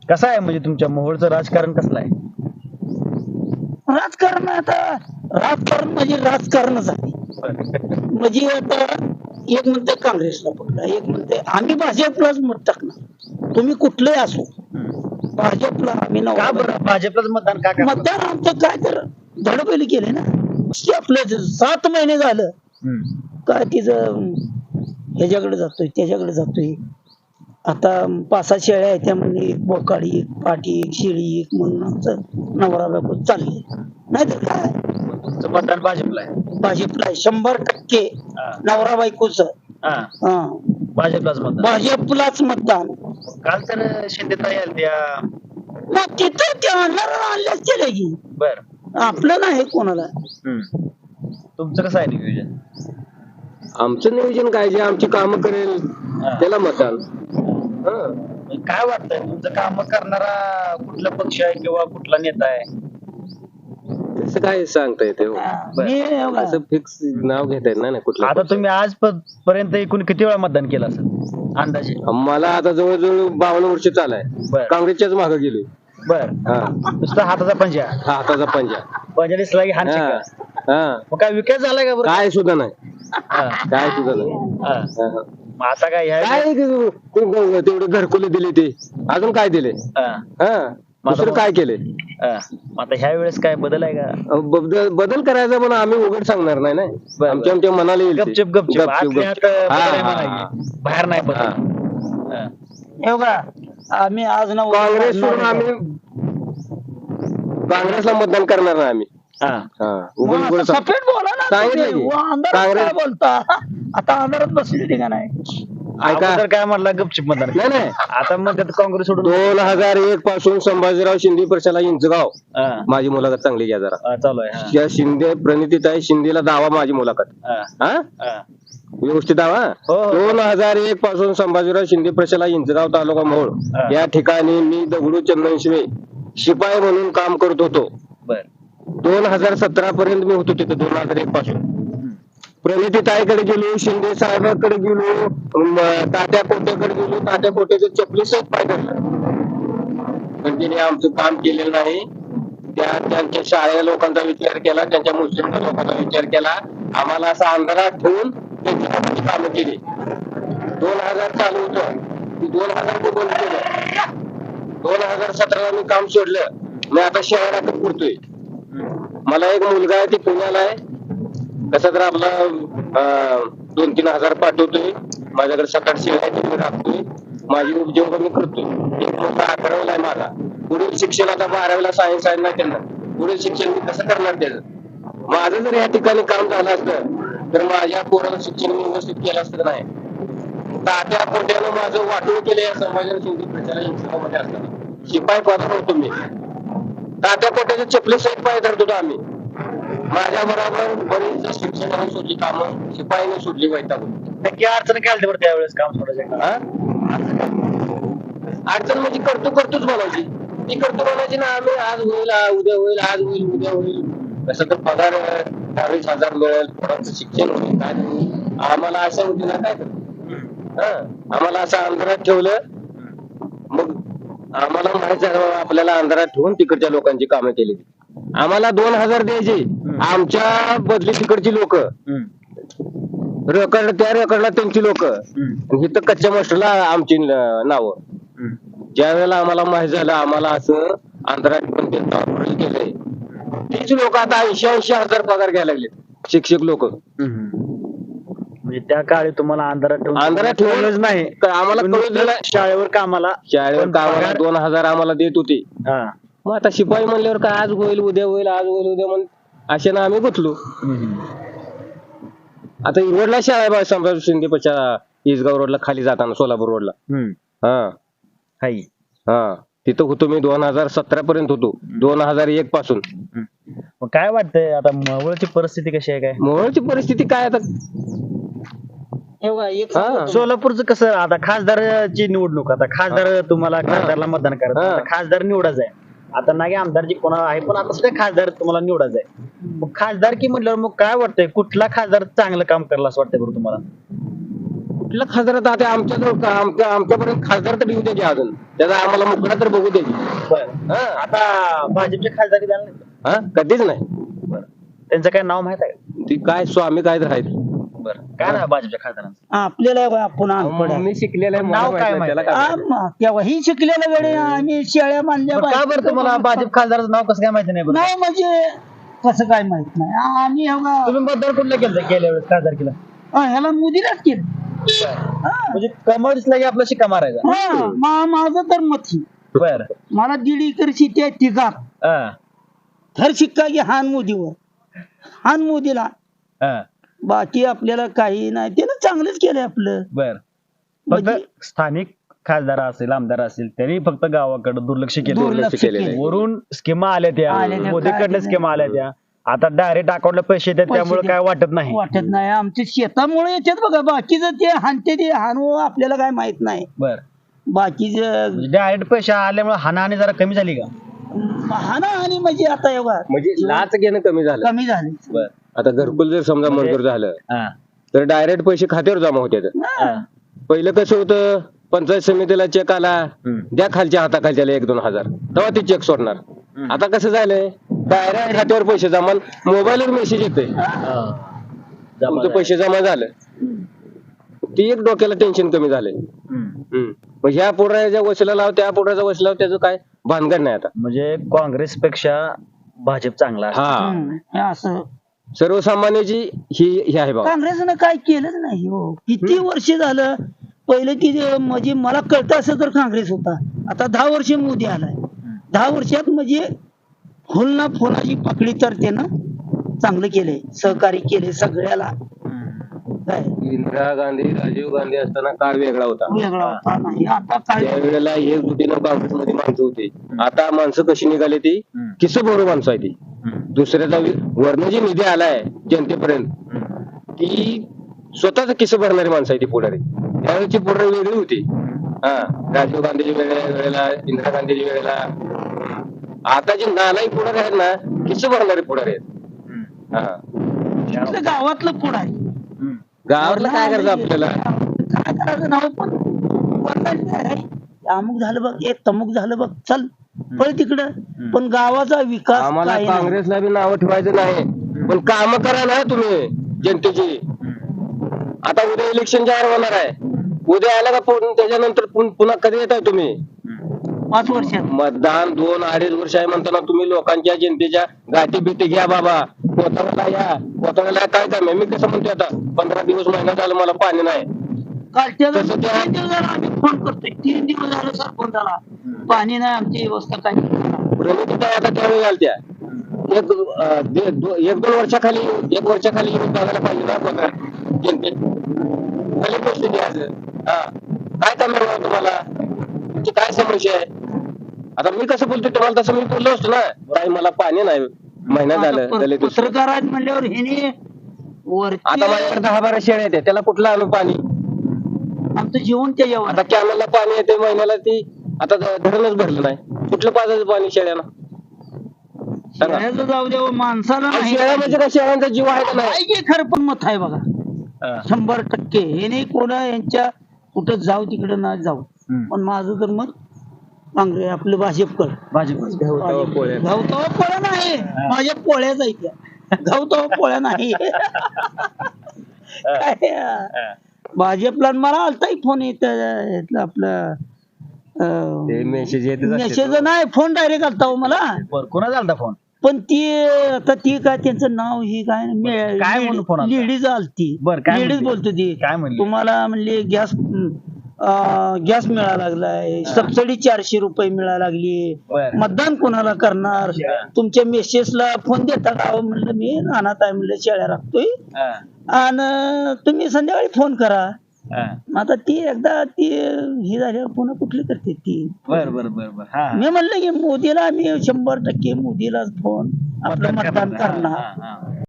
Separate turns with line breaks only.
कसं आहे म्हणजे तुमच्या मोहोळचं राजकारण कसलं आहे?
राजकारण आता राजकारण म्हणजे राजकारणच आहे. म्हणजे आता एक म्हणते काँग्रेसला पकडा, एक म्हणते आम्ही भाजपलाच मत टाकणार. तुम्ही कुठलंही असो भाजपला आम्ही
का
नवरा
बरं भाजपलाच मतदान का करणार?
मतदान आमचं काय तर धडपैली केले ना. आपलं 7 महिने झालं काय तिचं ह्याच्याकडे जातोय त्याच्याकडे जातोय. आता 5-6 शेळ्या आहेत त्या म्हणजे बोकाडी एक, पाटी एक, शेळी एक म्हणून आमचं नवरा बायको चालले. नाहीतर काय
तुमचं मतदान भाजपला आहे?
भाजपला 100%
हा.
नवरा बायकोच
हा, भाजपलाच मतदान.
भाजपलाच मतदान.
काल तर शिंदे ताई आलत्या.
मग तिथं ते आणल्याच केले की
बर.
आपलं नाही कोणाला.
तुमचं कसं आहे नियोजन?
आमचं नियोजन काय, जे आमची कामं करेल त्याला मतदान.
काय वाटतंय तुमचं काम करणारा कुठला पक्ष आहे किंवा कुठला नेता आहे?
तसं काय सांगता येते हो.
मी
असं फिक्स नाव घेता येत नाही ना कुठलं.
आता तुम्ही आज पर्यंत एकूण किती वेळा मतदान केलं असेल अंदाजे?
मला आता जवळजवळ 52 वर्ष चालाय.
बर.
काँग्रेसच्याच मागे गेलोय.
बर. नुसता हाताचा पंजा,
हाताचा पंजा.
पंजा दिसला की हात
हा.
शिक्का.
हा.
मग काय विकास झालाय का बरं?
काय सुद्धा नाही,
हा.
काय सुद्धा नाही.
हा.
हा.
मग आता काय
काय तेवढे घरकुले दिले ते, अजून काय दिले? हा. दुसरं काय केले?
आता ह्या वेळेस काय बदल आहे का?
बदल करायचा पण आम्ही उघड सांगणार नाही ना.
बरं.
आमच्या मनाला येईल ते.
गपचूप गपचूप
गपचूप.
आतल्या आत बदल आहे
हा,
म्हणायचे.
हा.
बाहेर नाही बदल.
हा.
हा.
हे बघा आम्ही आज ना
काँग्रेस सोडून आम्ही काँग्रेसला मतदान करणार नाही आम्ही.
हा.
हा. उघड उघड सांग.
सफेद बोला ना
सांगितलं
तुम्ही.
की.
अंधारात
काँग्रेस-
काय बोलता आता अंधारात बसले ते का नाही.
ऐका.
अगोदर काय म्हणला गपचूप मतदान.
नाही नाही,
आता म्हणतात काँग्रेस सोडून.
2001 पासून संभाजीराव शिंदे प्रशाला इंचगाव
हा.
माझी मुलाखत चांगली घ्या जरा.
हा, चालू आहे. हा.
त्या शिंदे प्रणितीताई शिंदेला दावा माझी मुलाखत.
हा.
हा,
हा.
व्यवस्थित दावा.
हो, हो.
2001 पासून संभाजीराव शिंदे प्रशाला इंचगाव तालुका मोहोळ
हा.
या ठिकाणी मी दगडू चंदनशिवे शिपाई म्हणून काम करत होतो.
बर.
2017 पर्यंत मी होतो तिथे. 2001 पासून प्रणिती ताईकडे गेलो, शिंदे साहेबांकडे गेलो, तात्या कोट्याकडे गेलो. तात्या कोट्याचे चपलीसच पाय धरलं, पण तिने आमचं काम केलेलं नाही. त्यांच्या शाळेच्या लोकांचा विचार केला, त्यांच्या मुस्लिम लोकांचा विचार केला. आम्हाला असा अंधारात ठेवून त्यांची लोकांची कामं केली. 2000 चालू होतं, 2000 ते बंद केलं. 2017 मी काम सोडलं. मी आता शहरात फिरतोय. मला एक मुलगा आहे, ती पुण्याला आहे. कसा तर आपला 2-3 हजार पाठवतोय. माझ्याकडे 7-8 शेळ्या आहेत, मी राखतोय. माझी उद्योग मी करतोय. एक मुलगा 11वीला आहे माझा. पुढील शिक्षण आता 12वीला सायन्स आहे ना त्यांना. पुढील शिक्षण मी कसं करणार त्याचं? माझं जर या ठिकाणी काम झालं असतं तर माझ्या पोराला शिक्षण मी व्यवस्थित केलं असतं नाही. तात्या पोट्यानं माझं वाटून केलं या समाजाला शिंदे प्रचारा इंस्टिट्यूटमध्ये असताना. शिपाई पदावर होतो मी. तात्या पोट्याचे चपली सहित पाय धरत होतो आम्ही. माझ्या बरोबर बरीच शिक्षणाने सोडली कामं, शिपाईने सोडली वैतागून.
नक्की अडचण काय आली बरं त्यावेळेस काम सोडायचं?
हा? अडचण म्हणजे करतोच म्हणायची. ती करतो म्हणायची ना. आम्ही आज होईल, उद्या होईल, आज होईल, उद्या होईल. कसं तर पगार 22,000 मिळेल, पोरांचं शिक्षण होईल, काय होईल. आम्हाला असं होती ना काय तर. आम्हाला असं अंधारात ठेवलं. मग आम्हाला माहित झालं आपल्याला अंधारात ठेवून तिकडच्या लोकांची कामं केली. आम्हाला 2,000 द्यायचे. आमच्या बदली तिकडची लोक रेकॉर्ड, त्या रेकॉर्डला त्यांची लोक, इथं कच्च्या मास्टरला आमची नावं. ज्या वेळेला आम्हाला माहित झालं आम्हाला असं अंधारात पण केलंय, तीच लोक आता 80,000 पगार घ्यायला लागले. शिक्षक लोक
म्हणजे त्या काळी तुम्हाला
अंधारात ठेवलंच नाही. आम्हाला कळलं
शाळेवर कामाला
2,000 आम्हाला देत होते.
हा.
मग आता शिपाई म्हणल्यावर काय आज होईल, उद्या होईल, आज होईल, उद्या म्हणून अशा ना आम्ही गुंतलो. आता रोडला शाळा आहे संभाजी शिंदे पक्षा, इसगाव रोडला खाली जाताना सोलापूर रोडला. हा.
हाय.
हा, तिथं होतो मी 2017 पर्यंत होतो. 2001 पासून.
मग काय वाटतंय आता मोहोळची परिस्थिती कशी आहे? काय
मोहोळची परिस्थिती काय आता?
सोलापूरचं कसं आता खासदारची निवडणूक, आता खासदार तुम्हाला खासदारला मतदान करायचं, खासदार निवडायचं आहे. आता नाही आमदारची कोणा आहे, पण आता सुद्धा खासदार तुम्हाला निवडायचं आहे. मग खासदार की म्हटल्यावर मग काय वाटतंय कुठला खासदार चांगलं काम करायला असं वाटतंय बरं तुम्हाला?
कुठल्या खासदारात आता आमच्यापर्यंत खासदार तर येऊ द्यायचे अजून त्याचा आम्हाला मुकडा तर बघू द्यायची. हा.
आता भाजपचे खासदारी झाले नाही
हा कधीच नाही.
त्यांचं काय नाव माहित आहे का?
ती काय स्वामी काय तर आहेत.
बरं काय नाव आहे भाजपच्या खासदारांचं?
आपल्याला आपण अनपड आहे.
मी शिकलेलं आहे,
नाव
मला
काय
माहित नाही,
माहिती?
त्याला काय माहिती?
तेव्हाही शिकलेल्या वेळे आम्ही शेळ्या बांधल्या
बरं, का बरं तुम्हाला भाजप खासदाराचं नाव कसं काय माहिती नाही बरं?
नाही म्हणजे कसं काय माहित नाही आम्ही
तुम्ही मतदान कुठलं केलं गेल्या वेळेस खासदारकीला?
ह्याला मोदीलाच केलं.
म्हणजे कमळ दिसला की आपला शिक्का मारायचा.
माझं तर मत ही.
बर
मला 1.5 एकर शेती आहे तिघात तर शिक्का की हान मोदीवर हान मोदीला. बाकी आपल्याला काही नाही त्यानं चांगलंच केलंय आपलं.
बर फक्त
म्हणजे-
स्थानिक खासदार असेल आमदार असेल त्यांनी फक्त गावाकडे दुर्लक्ष केलं.
दुर्लक्ष केलंय.
वरून स्कीमा आल्या त्या
आल्या त्या,
मोदीकडनं
काय
स्कीमा आल्या त्या आता डायरेक्ट अकाउंटला पैसे येतात
पैसे
त्यामुळे काय वाटत नाही.
वाटत नाही आमच्या शेतामुळे येतात बघा बाकीचं ते हानते ते हानू आपल्याला काय माहित नाही.
बर
बाकीचं
डायरेक्ट पैसे आल्यामुळे हानाहानी जरा कमी झाली का?
हाना आणि म्हणजे आता एवढा
म्हणजे लाच घेणं कमी झालं.
कमी झाले.
बर
आता घरकुल जर समजा मंजूर झालं
हा.
तर डायरेक्ट पैसे खात्यावर जमा होते.
हा.
पहिलं कसं होतं पंचायत समितीला चेक आला
हम्म.
द्या खालच्या हाताखालच्याला 1-2 हजार तेव्हा ते चेक सोडणार. आता कसं झालंय डायरेक्ट खात्यावर पैसे जमा मोबाईलवर मेसेज येते तुमचे पैसे जमा झालं. ती एक डोक्याला टेन्शन कमी झालंय. मग ह्या पोराच्या वशिला लाव त्या पोराचा वशिला लाव त्याचं काय भानगड नाही आता.
म्हणजे काँग्रेस पेक्षा भाजप चांगला आहे.
हा
हे असं
सर्वसामान्याची ही आहे बाबा.
काँग्रेसनं काय केलंच नाही हो. किती वर्ष झालं पहिलं की म्हणजे मला कळतं असं तर काँग्रेस होता. आता 10 वर्ष मोदी आलाय. 10 वर्षात म्हणजे फुल ना फुलाची पकडी तर त्यानं चांगलं केलंय सहकार्य केले सगळ्याला. काय
इंदिरा गांधी राजीव गांधी असताना काळ वेगळा होता.
वेगळा होता नाही आता काय
त्यावेळेला एकजुटीनं काँग्रेसमध्ये माणसं होती. आता माणसं कशी निघाली ती किस भरू माणसं आहे ती. दुसऱ्याचा वर्ण जी निधी आलाय जनतेपर्यंत ती स्वतःच किस भरणारी माणसं आहे ती पुढारी. त्यावेळेची पुढारी वेगळी होती. हा राजीव गांधीच्या वेळेला इंदिरा गांधीच्या वेळेला. आता जे नालायक पुढारी आहेत ना किस भरणारे पुढारी आहेत. हा
आपल्या गावातलं पुढं आहे.
गावातलं काय करायचं आपल्याला.
काय करायचं नाव पण वरनं काय, अमुक झालं बघ एक तमुक झालं बघ चल पळ तिकडं. पण गावाचा विकास
आम्हाला
काही नाही.
काँग्रेसला बी नावं ठेवायचं नाही पण काम करा ना तुम्ही जनतेची. आता उद्या इलेक्शन जाहीर होणार आहे. उद्या आला का त्याच्यानंतर पुन्हा कधी येताय तुम्ही?
5 वर्षात
मतदान 2-2.5 वर्ष आहे म्हणताना तुम्ही लोकांच्या जनतेच्या गाठी भेटी घ्या बाबा. कोथळ्याला या. कोथळ्याला काय काम आहे? मी कसं म्हणतोय आता 15 दिवस महिना झालं मला पाणी नाही.
कालच्या
तसं त्या-
3 दिवस झालं आम्ही फोन करतोय 3 दिवस झालं सरपंचाला पाणी नाही आमची व्यवस्था काय
प्रणिती काय आता त्यावेळी घालत्या 1-2 वर्षाखाली 1 वर्षाखाली येऊन बघायला पाहिजे ना बघा जनते खाली पैसे द्यायचं. हा काय काम आहे बाबा तुम्हाला तुमची काय समस्या आहे? आता मी कसं बोलतोय तुम्हाला तसं मी बोललो असतो ना. ताई मला पाणी नाही महिना झालं दलित उत्सव.
पत्रकार आहेत म्हणल्यावर ह्याने
आता माझ्याकडे 10-12 शेळ्या येते त्याला कुठलं आणू पाणी?
आमचं जीवन त्याच्यावर
आता कॅनलला पाणी येते महिन्याला ती आता धरणच भरलं नाही. कुठलं पाजायचं पाणी शेळ्याला सांगा.
शेळ्याचं जाऊ द्या माणसाला
आणि
नाही.
शेळ्या म्हणजे काय शेळ्यांचा जीव आहे का नाही?
आहे की खरं पण मत आहे बघा 100% हे कोणा यांच्या कुठं जाऊ तिकडं ना जाऊ. पण माझं तर मत काँग्रेस आपलं भाजपकडं.
भाजप
गवतावा पोळ्या नाही माझ्या पोळ्या जायच्या. गवतावा पोळ्या नाही काय, भाजपला मला आलताही फोन येत आपलं
ते मेसेज येतच असते.
मेसेज नाही फोन डायरेक्ट आलता हो मला.
कोणाचा आलता फोन?
पण ती आता ती काय त्यांचं नाव ही काय
काय म्हणून फोन आलता?
लेडीज आलती.
बरं, काय
लेडीज
म्हणली?
बोलतो ती
काय म्हणली?
तुम्हाला म्हणले गॅस मिळायला लागलाय सबसिडी 400 रुपये मिळायला लागली
बरं.
मतदान कोणाला करणार तुमच्या मेसेजला फोन देता का अहो म्हणलं मी रानात आहे म्हणलं शेळ्या राखतोय आणि तुम्ही संध्याकाळी फोन करा. आता ती एकदा ती ही झाल्यावर पुन्हा कुठली करते ती.
बर बर बर बर हा
मी म्हणलं की मोदीला मी 100% मोदीलाच फोन आपलं मतदान करणार.